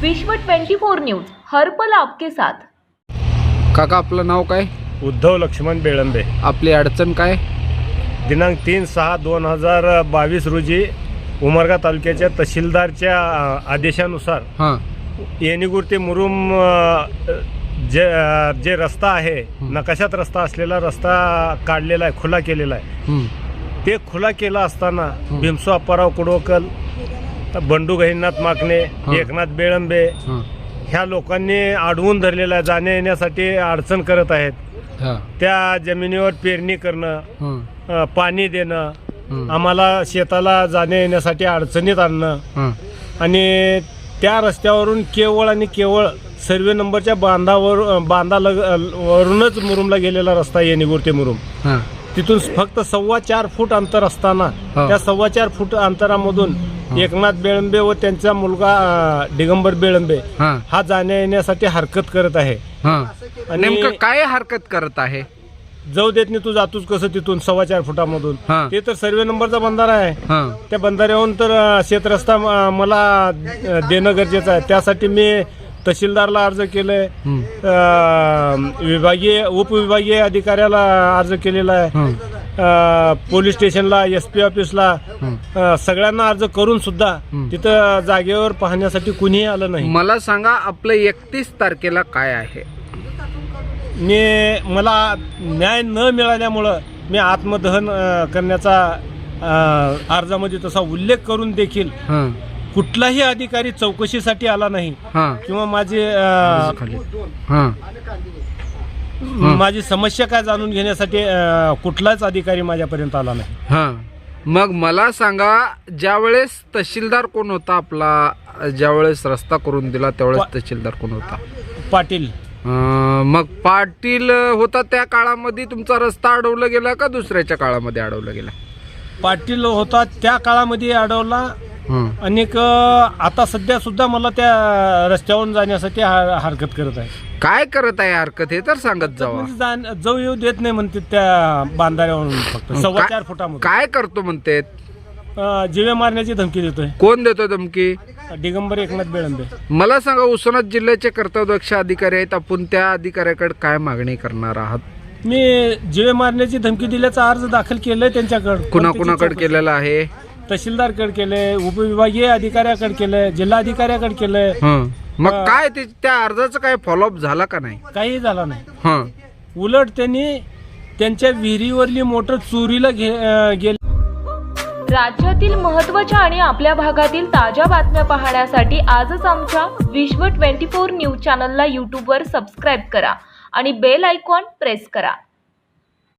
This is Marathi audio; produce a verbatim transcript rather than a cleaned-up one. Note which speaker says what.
Speaker 1: विश्व ट्वेंटी फोर न्यूज हरपल आपके साथ।
Speaker 2: काका आपलं नाव काय?
Speaker 3: उद्धव लक्ष्मण बेळंबे।
Speaker 2: आपली अडचण काय?
Speaker 3: दिनांक तीन सहा दोन हजार बावीस रोजी उमरगा तालुक्याच्या तहसीलदारच्या आदेशानुसार
Speaker 2: हां
Speaker 3: येणीगुर ते मुरुम जे जे रस्ता आहे, नकाशात रस्ता असलेला रस्ता काढलेला आहे, खुला केलेला आहे। ते खुला केला असताना भीमसो अप्पाराव कुडवकल, बंडू गहिनाथ माकणे, एकनाथ बेळंबे ह्या लोकांनी अडवून धरलेला आहे, जाण्या येण्यासाठी अडचण करत आहेत। त्या जमिनीवर पेरणी करणं, पाणी देणं, आम्हाला शेताला जाण्या येण्यासाठी अडचणीत आणणं आणि त्या रस्त्यावरून केवळ आणि केवळ सर्वे नंबरच्या बांधावर बांधा लग वरूनच मुरुमला गेलेला रस्ता येणीगुर ते मुरुम, तिथून फक्त सव्वा चार फूट अंतर असताना त्या सव्वा चार फूट अंतरामधून एकनाथ बेळंबे व त्यांचा मुलगा दिगंबर बेळंबे हा जाण्या येण्यासाठी हरकत करत आहे।
Speaker 2: नेमकं काय हरकत करत आहे?
Speaker 3: जाऊ देत नाही, तू जातोच कसं तिथून सव्वा चार फुटामधून? ते तर सर्वे नंबरचा बंधारा आहे, त्या बंधाऱ्याहून तर शेतरस्ता मला देणं गरजेचं आहे। त्यासाठी मी तहसीलदारला अर्ज केलाय, विभागीय उपविभागीय अधिकाऱ्याला अर्ज केलेला आहे, पोलीस स्टेशनला, एस पी ऑफिसला, सगळ्यांना अर्ज करून सुद्धा तिथं जागेवर पाहण्यासाठी कुणीही आलं नाही।
Speaker 2: मला सांगा, आपलं एकतीस तारखेला काय आहे?
Speaker 3: मी मला न्याय न मिळाल्यामुळं मी आत्मदहन करण्याचा अर्जामध्ये तसा उल्लेख करून देखील कुठलाही अधिकारी चौकशीसाठी आला नाही किंवा माझी माझी समस्या काय जाणून घेण्यासाठी कुठलाच अधिकारी माझ्यापर्यंत आला नाही।
Speaker 2: मग मला सांगा, ज्यावेळेस तहसीलदार कोण होता आपला, ज्यावेळेस रस्ता करून दिला त्यावेळेस तहसीलदार कोण होता?
Speaker 3: पाटील।
Speaker 2: मग पाटील होता त्या काळामध्ये तुमचा रस्ता अडवला गेला का दुसऱ्याच्या काळामध्ये अडवला गेला?
Speaker 3: पाटील होता त्या काळामध्ये अडवला आणि आता सध्या सुद्धा मला त्या रस्त्यावरून जाण्यासाठी हरकत करत आहे।
Speaker 2: काय करत आहे हरकत हे तर सांगत जावा।
Speaker 3: जाऊ येऊ देत नाही म्हणते त्या बांधाऱ्यावरून, फक्त सव्वा चार फुटामध्ये।
Speaker 2: काय करतो म्हणते?
Speaker 3: जीवे मारण्याची धमकी देतोय।
Speaker 2: कोण देतोय धमकी?
Speaker 3: दिगंबर एकनाथ बेळंबे।
Speaker 2: मला सांगा, उस्मानाबाद जिल्ह्याचे कर्तव्यदक्ष अधिकारी आहेत, आपण त्या अधिकाऱ्याकडे काय मागणी करणार आहात?
Speaker 3: मी जीवे मारण्याची धमकी दिल्याचा अर्ज दाखल केलाय त्यांच्याकडे।
Speaker 2: कुणाकुणाकडे केलेला आहे?
Speaker 3: तहसीलदारकडे केलंय, उपविभागीय अधिकाऱ्याकडे केलंय, जिल्हाधिकाऱ्याकडे केलंय।
Speaker 2: मग काय त्या अर्जाचं काय फॉलोअप झाला का नाही?
Speaker 3: काही झाला नाही। उलट त्यांनी त्यांच्या विहिरीवरली मोटर चोरीला गेली।
Speaker 1: राज्यातील महत्त्वाच्या आणि आपल्या भागातील ताज्या बातम्या पाहण्यासाठी आजच आमच्या विश्व ट्वेंटी फोर न्यूज चॅनलला यूट्यूबवर सबस्क्राईब करा आणि बेल आयकॉन प्रेस करा।